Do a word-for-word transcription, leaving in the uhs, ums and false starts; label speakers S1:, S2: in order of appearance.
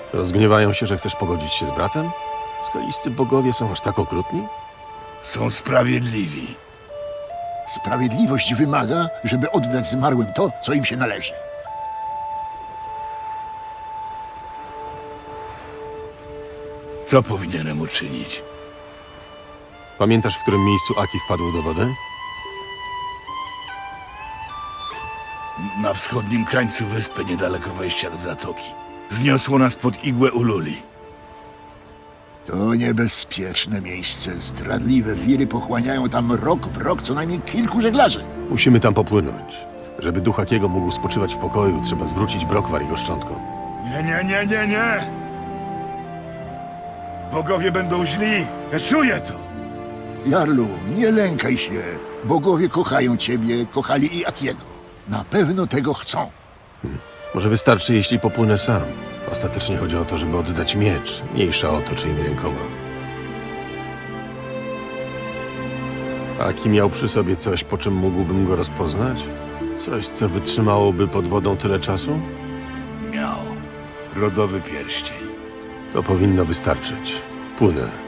S1: Rozgniewają się, że chcesz pogodzić się z bratem? Skoliscy bogowie są aż tak okrutni?
S2: Są sprawiedliwi.
S3: Sprawiedliwość wymaga, żeby oddać zmarłym to, co im się należy.
S2: Co powinienem uczynić?
S1: Pamiętasz, w którym miejscu Aki wpadł do wody?
S2: Na wschodnim krańcu wyspy, niedaleko wejścia do zatoki. Zniosło nas pod igłę Ululi.
S3: To niebezpieczne miejsce. Zdradliwe wiry pochłaniają tam rok w rok co najmniej kilku żeglarzy.
S1: Musimy tam popłynąć. Żeby duch Akiego mógł spoczywać w pokoju, trzeba zwrócić brokwar jego szczątkom.
S2: Nie, nie, nie, nie, nie! Bogowie będą źli. Ja czuję to.
S3: Jarlu, nie lękaj się. Bogowie kochają ciebie, kochali i Akiego. Na pewno tego chcą.
S1: Może wystarczy, jeśli popłynę sam. Ostatecznie chodzi o to, żeby oddać miecz, mniejsza o to, czyimi rękoma. Aki miał przy sobie coś, po czym mógłbym go rozpoznać? Coś, co wytrzymałoby pod wodą tyle czasu?
S2: Miał. Rodowy pierścień.
S1: To powinno wystarczyć. Płynę.